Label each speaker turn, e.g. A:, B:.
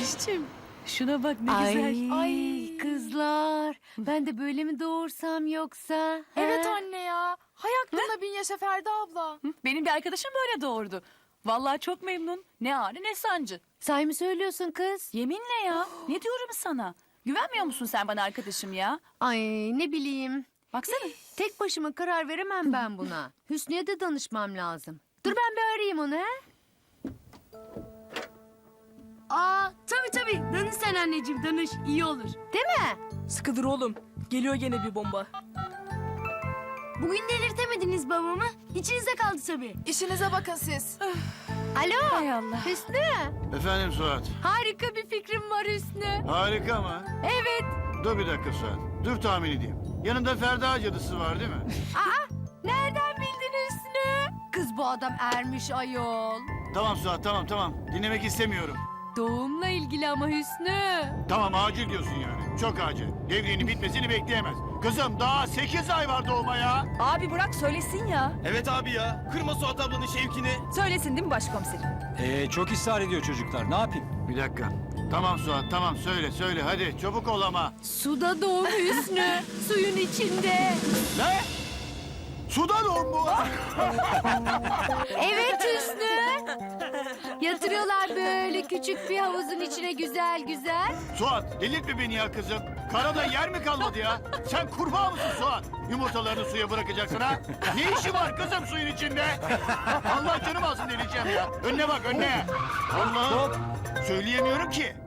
A: Ateşciğim. Şuna bak ne
B: Ay,
A: güzel.
B: ay kızlar. Ben de böyle mi doğursam yoksa?
C: Evet
B: he?
C: anne ya. Hay aklına bin yaşa Ferdi abla.
A: Benim bir arkadaşım böyle doğurdu. Vallahi çok memnun. Ne ağrı ne sancı.
B: Sahi mi söylüyorsun kız?
A: Yeminle ya. Ne diyorum sana? Güvenmiyor musun sen bana arkadaşım ya?
B: Ay ne bileyim.
A: Baksana.
B: Tek başıma karar veremem ben buna. Hüsnü'ye de danışmam lazım. Dur ben bir arayayım onu he.
D: Aa tabii danış sen anneciğim danış iyi olur.
B: Değil mi?
E: Sıkıdır oğlum. Geliyor gene bir bomba.
D: Bugün delirtemediniz babamı. İçinize kaldı tabii.
C: İşinize bakın siz.
B: Alo.
A: Hay Allah.
B: Hüsnü.
F: Efendim Suat.
B: Harika bir fikrim var Hüsnü.
F: Harika mı?
B: Evet.
F: Dur bir dakika Suat. Dur tahmin edeyim. Yanında Ferda cadısı var değil mi?
B: Nereden bildin Hüsnü? Kız bu adam ermiş ayol.
F: Tamam Suat tamam. Dinlemek istemiyorum.
B: Doğumla ilgili ama Hüsnü.
F: Tamam acil diyorsun yani. Çok acil. Devriğinin bitmesini bekleyemez. Kızım daha 8 ay var doğuma ya.
A: Abi bırak söylesin ya.
G: Evet abi ya. Kırma Suat ablanın şevkini.
A: Söylesin değil mi başkomiserim?
H: Çok ısrar ediyor çocuklar. Ne yapayım?
F: Bir dakika. Tamam Suat tamam söyle hadi çabuk ol ama.
B: Suda doğum Hüsnü. Suyun içinde.
F: Ne? Suda doğum bu.
B: Evet Hüsnü. Yatırıyorlar böyle küçük bir havuzun içine güzel güzel.
F: Suat delirtme beni ya kızım. Karada yer mi kalmadı ya? Sen kurbağa mısın Suat? Yumurtalarını suya bırakacaksın ha? Ne işi var kızım suyun içinde? Allah canım alsın delireceğim ya. Önüne bak önüne. Allah'ım. Söyleyemiyorum ki.